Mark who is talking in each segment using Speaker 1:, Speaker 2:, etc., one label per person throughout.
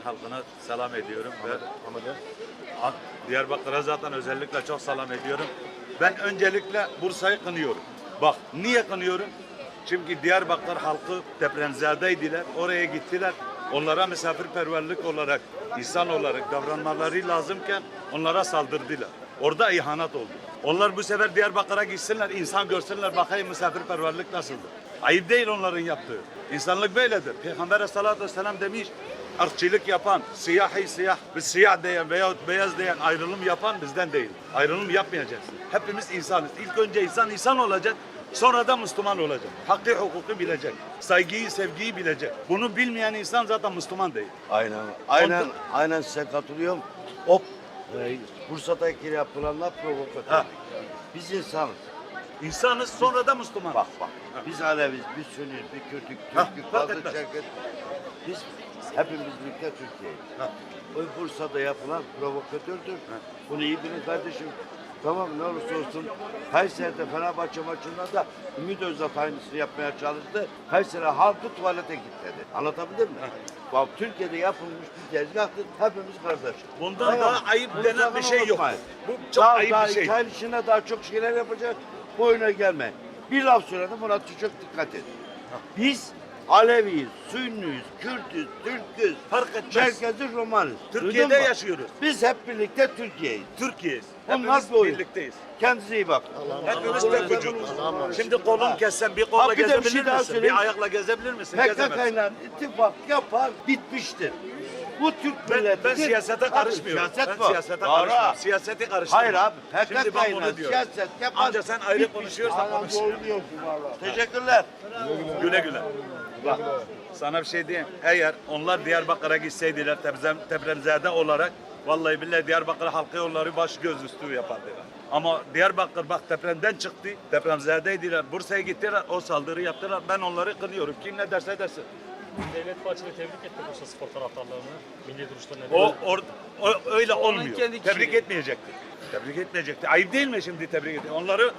Speaker 1: halkına selam ediyorum ve Diyarbakır'a zaten özellikle çok selam ediyorum. Ben öncelikle Bursa'yı kınıyorum. Bak niye kınıyorum? Çünkü Diyarbakır halkı depremzedeydiler. Oraya gittiler. Onlara misafirperverlik olarak, insan olarak davranmaları lazımken onlara saldırdılar. Orada ihanet oldu. Onlar bu sefer Diyarbakır'a gitsinler, insan görsünler, bakayım misafirperverlik nasıldır. Ayıp değil onların yaptığı. İnsanlık böyledir. Peygamber Aleyhisselatü Vesselam demiş, ırkçılık yapan, siyah, siyah diyen veyahut beyaz diyen ayrılım yapan bizden değil. Ayrılım yapmayacaksın. Hepimiz insanız. İlk önce insan olacak. Sonra da Müslüman olacak. Hakkı hukuku bilecek. Saygıyı, sevgiyi bilecek. Bunu bilmeyen insan zaten Müslüman değil.
Speaker 2: Aynen size katılıyorum. O Bursa'daki yapılanlar provokatör. Biz insanız.
Speaker 1: İnsanız sonra da Müslüman.
Speaker 2: Bak. Biz Aleviz, biz Sünniyiz, biz Kürtük, Türk'ük, Kazı, Çerkez. Biz hepimiz birlikte Türkiye'yiz. O Bursa'da yapılan provokatördür. Bunu iyi bilin kardeşim. Tamam ne olursa olsun Kayseri'de Fenerbahçe maçında da Ümit Özdağ aynısını yapmaya çalıştı. Kayseri halkı tuvalete kilitledi. Anlatabildim mi? Bak Türkiye'de yapılmış bir tezgahtır. Hepimiz kardeşiz.
Speaker 1: Bundan daha ayıp denen bir şey yok. Bu çok
Speaker 2: daha,
Speaker 1: ayıp bir şey.
Speaker 2: İtalya içinde daha çok şeyler yapacak. Bu oyuna gelme. Bir laf söyledim buna çok dikkat edin. Biz Aleviyiz, Sünniyiz, Kürtüz, Türküz,
Speaker 1: Fark etmez.
Speaker 2: Çerkeziz, Romanız.
Speaker 1: Türkiye'de yaşıyoruz.
Speaker 2: Biz hep birlikte Türkiye'yiz.
Speaker 1: Türkiye'yiz.
Speaker 2: Bunlar
Speaker 1: Hepimiz
Speaker 2: bir oyun.
Speaker 1: birlikteyiz.
Speaker 2: Kendinize iyi bakın.
Speaker 1: Hepimiz tek vücuduz. Şimdi kolun kessen bir kolla
Speaker 2: Bak, bir de bir
Speaker 1: gezebilir
Speaker 2: şey daha
Speaker 1: misin?
Speaker 2: söyleyeyim.
Speaker 1: Bir ayakla gezebilir misin? Gezemezsin.
Speaker 2: PKK'yla ittifak yapar, bitmiştir. Bu Türk milleti.
Speaker 1: Ben siyasete karışmıyorum.
Speaker 2: Siyaset
Speaker 1: Ben siyasete karışmıyorum. Siyaseti karıştırıyorum.
Speaker 2: Hayır abi,
Speaker 1: Şimdi ben bunu
Speaker 2: PKK'yla
Speaker 1: diyorum.
Speaker 2: siyaset yapar.
Speaker 1: Anca sen ayrı konuşuyorsan konuş.
Speaker 2: Teşekkürler.
Speaker 1: Güle güle. Bak sana bir şey diyeyim. Eğer onlar Diyarbakır'a gitseydiler depremzede olarak vallahi billahi Diyarbakır halkı onları baş göz üstü yapardılar. Ama Diyarbakır bak depremden çıktı. Depremzedeydiler. Bursa'ya gittiler. O saldırı yaptılar. Ben onları kınıyorum. Kim ne derse desin.
Speaker 3: Devlet Bahçeli tebrik etti Bursa spor taraftarlarını. Milli duruşlarına.
Speaker 1: O öyle olmuyor.
Speaker 3: kendi
Speaker 1: Tebrik
Speaker 3: kişiliği.
Speaker 1: etmeyecekti. Tebrik etmeyecekti. Ayıp değil mi şimdi tebrik etmek?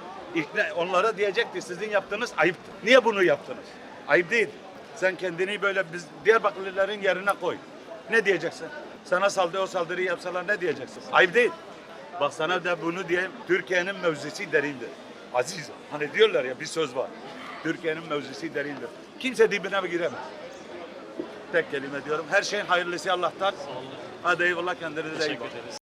Speaker 1: Onlara diyecekti sizin yaptığınız ayıptır. Niye bunu yaptınız? Ayıp değil. Sen kendini böyle biz Diyarbakırlıların yerine koy. Ne diyeceksin? Sana o saldırıyı yapsalar ne diyeceksin? Ayıp değil. Bak sana da bunu diyeyim. Türkiye'nin mevzisi derindir. Aziz. Hani diyorlar ya bir söz var. Türkiye'nin mevzisi derindir. Kimse dibine giremez. Tek kelime diyorum. Her şeyin hayırlısı Allah'tan. Hadi eyvallah kendinize iyi bakın.